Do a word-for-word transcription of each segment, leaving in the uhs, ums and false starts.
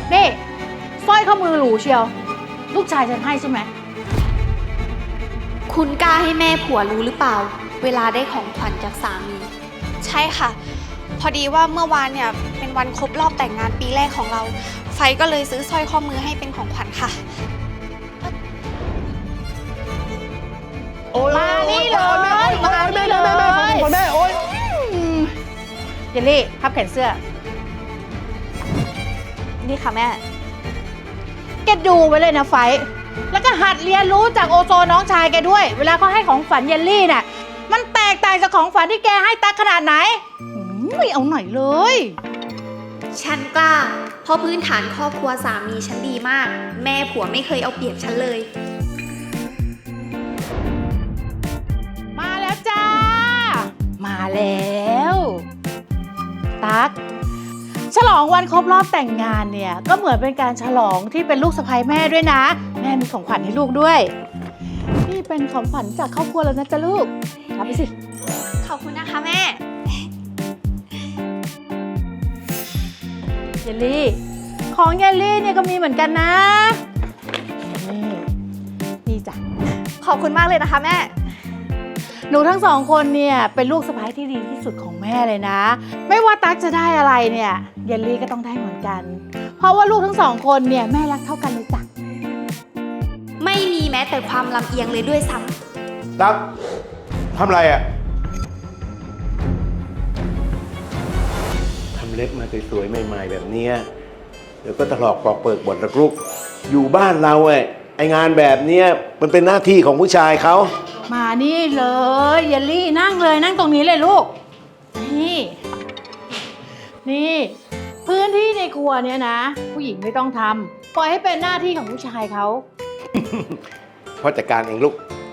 นี่สร้อยข้อมือหรูเชียวลูกชายฉันให้ใช่ไหมคุณกล้าให้แม่ผัวรู้หรือเปล่าเวลาได้ของขวัญจากสามีใช่ค่ะพอดีว่าเมื่อวานเนี่ยเป็นวันครบรอบแต่งงานปีแรกของเราไฟก็เลยซื้อสร้อยข้อมือให้เป็นของขวัญค่ะมานี่เลยมานี่เลยแม่โอ๊ยเยลลี่พับแขนเสื้อนี่ค่ะแม่แกดูไว้เลยนะไฟแล้วก็หัดเรียนรู้จากโอโซน้องชายแกด้วยเวลาเขาให้ของฝันเยลลี่น่ะมันแตกต่างจากของฝันที่แกให้ตั๊กขนาดไหนไม่เอาหน่อยเลยฉันกล้าเพราะพื้นฐานครอบครัวสามีฉันดีมากแม่ผัวไม่เคยเอาเปรียบฉันเลยมาแล้วจ้ามาแล้วตั๊กฉลองวันครบรอบแต่งงานเนี่ยก็เหมือนเป็นการฉลองที่เป็นลูกสะใภ้แม่ด้วยนะแม่มีของขวัญให้ลูกด้วยนี่เป็นของขวัญจากครอบครัวแล้วนะจ๊ะลูกรับไปสิขอบคุณนะคะแม่เยลลี่ของเยลลี่เนี่ยก็มีเหมือนกันนะนี่นี่จ้ะขอบคุณมากเลยนะคะแม่หนูทั้งสองคนเนี่ยเป็นลูกสะใภ้ที่ดีที่สุดของแม่เลยนะไม่ว่าตั๊กจะได้อะไรเนี่ยเยลลี่ก็ต้องได้เหมือนกันเพราะว่าลูกทั้งสองคนเนี่ยแม่รักเท่ากันเลยจ้ะไม่มีแม้แต่ความลำเอียงเลยด้วยซ้ตั๊กทำอะไรอ่ะทำเล็บมาสวยๆใหม่ๆแบบเนี้ยเดี๋ยวก็ถลอกปอกเปิกหมดละลูกอยู่บ้านเราไอ้ไองานแบบเนี้ยมันเป็นหน้าที่ของผู้ชายเขามานี่เลยเยลลี่นั่งเลยนั่งตรงนี้เลยลูกนี่นี่พื้นที่ในครัวเนี่ยนะผู้หญิงไม่ต้องทำปล่อยให้เป็นหน้าที่ของผู้ชายเขาพ่อจัดการเองลูก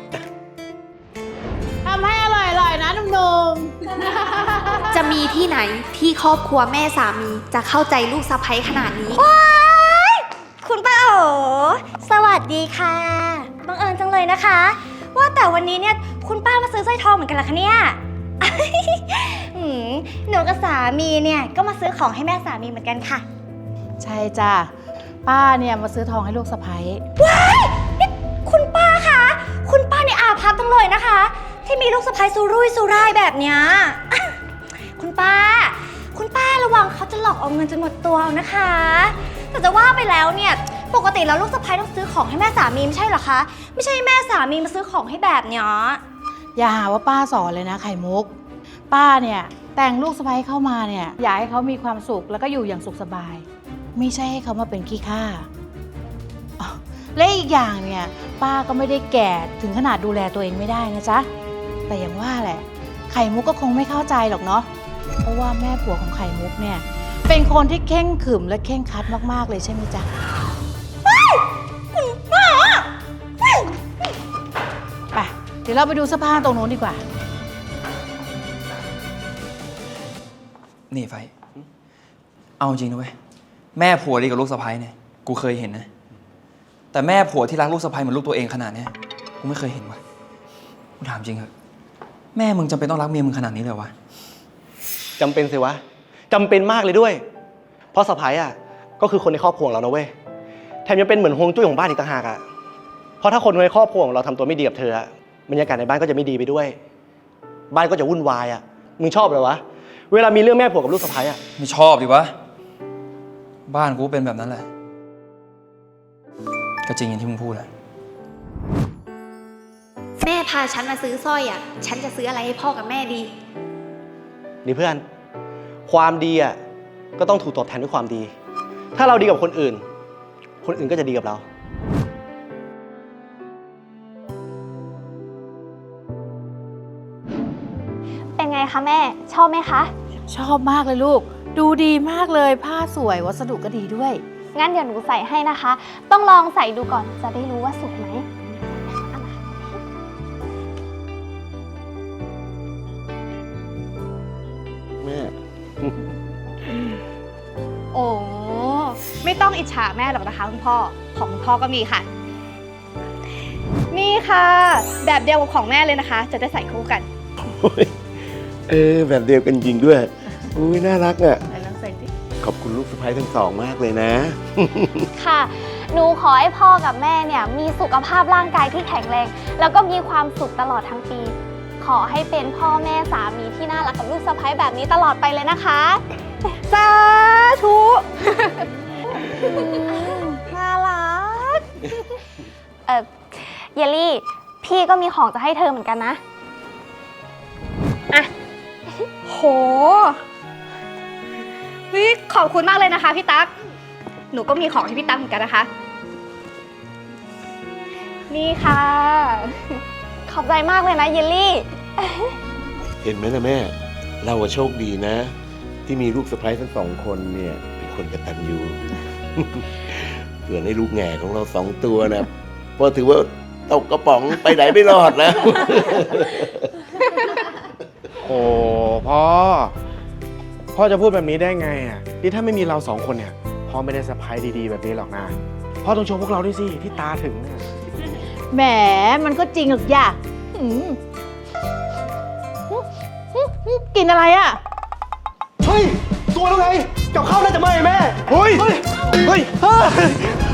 ทำให้อร่อยๆนะหนุ่มำจะมีที่ไหนที่ครอบครัวแม่สามีจะเข้าใจลูกสะใภ้ขนาดนี้คุณป้าโอสวัสดีค่ะบังเอิญจังเลยนะคะว่าแต่วันนี้เนี่ยคุณป้ามาซื้อสร้อยทองเหมือนกันเหรอคะเนี่ย หืมหนูกับสามีเนี่ยก็มาซื้อของให้แม่สามีเหมือนกันค่ะๆใช่จ้ะป้าเนี่ยมาซื้อทองให้ลูกสะใภ้ว้ายนี่คุณป้าคะคุณป้าในอาภัพจังเลยนะคะ ที่มีลูกสะใภ้สุรุ่ยสุร่ายแบบเนี้ย คุณป้า คุณป้าระวังเขาจะหลอกเอาเงินจนหมดตัวเอานะคะแต่จะว่าไปแล้วเนี่ยปกติแล้วลูกสะใภ้ต้องซื้อของให้แม่สามีไม่ใช่เหรอคะไม่ใช่แม่สามีมาซื้อของให้แบบเนี้ยอย่าหาว่าป้าสอนเลยนะไข่มุกป้าเนี่ยแต่งลูกสะใภ้เข้ามาเนี่ยอยากให้เขามีความสุขแล้วก็อยู่อย่างสุขสบายไม่ใช่ให้เขามาเป็นขี้ข้าอ๋อและอีกอย่างเนี่ยป้าก็ไม่ได้แก่ถึงขนาดดูแลตัวเองไม่ได้นะจ๊ะแต่อย่างว่าแหละไข่มุกก็คงไม่เข้าใจหรอกเนาะเพราะว่าแม่ผัวของไข่มุกเนี่ยเป็นคนที่เข่งขรึมและเข่งครัดมากๆเลยใช่ไหมจ๊ะไปเดี๋ยวเราไปดูเสื้อผ้าตรงนู้นดีกว่านี่ไฟเอาจริงนะเว้ยแม่ผัวดีกับลูกสะใภ้เนี่ยกูเคยเห็นนะแต่แม่ผัวที่รักลูกสะใภ้เหมือนลูกตัวเองขนาดเนี้ยกูไม่เคยเห็นว่ะกูถามจริงเหรอแม่มึงจำเป็นต้องรักเมียมึงขนาดนี้เลยวะจำเป็นสิวะจำเป็นมากเลยด้วยเพราะสะใภ้อ่ะก็คือคนในครอบครัวเรานะเว้ยแถมยังเป็นเหมือนฮวงจุ้ยของบ้านอีกต่างหากอ่ะเพราะถ้าคนในครอบครัวของเราทำตัวไม่ดีกับเธอบรรยากาศในบ้านก็จะไม่ดีไปด้วยบ้านก็จะวุ่นวายอ่ะมึงชอบเลยวะเวลามีเรื่องแม่ผัวกับลูกสะใภ้อ่ะไม่ชอบดิวะบ้านกูเป็นแบบนั้นแหละก็จริงอย่างที่มึงพูดแหละแม่พาฉันมาซื้อสร้อยอ่ะฉันจะซื้ออะไรให้พ่อกับแม่ดีนี่เพื่อนความดีอ่ะก็ต้องถูกตอบแทนด้วยความดีถ้าเราดีกับคนอื่นคนอื่นก็จะดีกับเราเป็นไงคะแม่ชอบไหมคะชอบมากเลยลูกดูดีมากเลยผ้าสวยวัสดุก็ดีด้วยงั้นเดี๋ยวหนูใส่ให้นะคะต้องลองใส่ดูก่อนจะได้รู้ว่าสวยไหมแม่โอ้ไม่ต้องอิจฉาแม่หรอกนะคะคุณพ่อของคุณพ่อก็มีค่ะนี่ค่ะแบบเดียวกับของแม่เลยนะคะจะได้ใส่คู่กันเออแบบเดียวกันจริงด้วยอุ้ยน่ารักอ่ะไหนลองใส่ดิขอบคุณลูกสะใภ้ทั้งสองมากเลยนะค่ะ หนูขอให้พ่อกับแม่เนี่ยมีสุขภาพร่างกายที่แข็งแรง แล้วก็มีความสุขตลอดทั้งปี ขอให้เป็นพ่อแม่สามีที่น่ารักกับลูกสะใภ้แบบนี้ตลอดไปเลยนะคะสาธุน่ารัก เออเยลลี่ พี่ก็มีของจะให้เธอเหมือนกันนะโหเฮ้ยขอบคุณมากเลยนะคะพี่ตั๊ก หนูก็มีของให้พี่ตั๊กเหมือนกันนะคะ นี่ค่ะขอบใจมากเลยนะเยลลี่เห็นไหมนะแม่ เราอะโชคดีนะ ที่มีลูกสะใภ้ทั้งสองคนเนี่ยเป็นคนกตัญญู เผื่อให้ลูกแง่ของเราสองตัวนะพอถือว่าตกกระป๋องไปไหนไม่รอดนะโอ้พ่อ พ่อจะพูดแบบนี้ได้ไงอ่ะนี่ถ้าไม่มีเราสองคนเนี่ยพ่อไม่ได้สะพายดีๆแบบนี้หรอกนะพ่อต้องชมพวกเราด้วยสิที่ตาถึงอะแหมมันก็จริงหรอกย่าอืมกินอะไรอ่ะเฮ้ย ตัวแล้วไง กับข้าวน่าจะไหม้แม่ เฮ้ย เฮ้ย เฮ้ย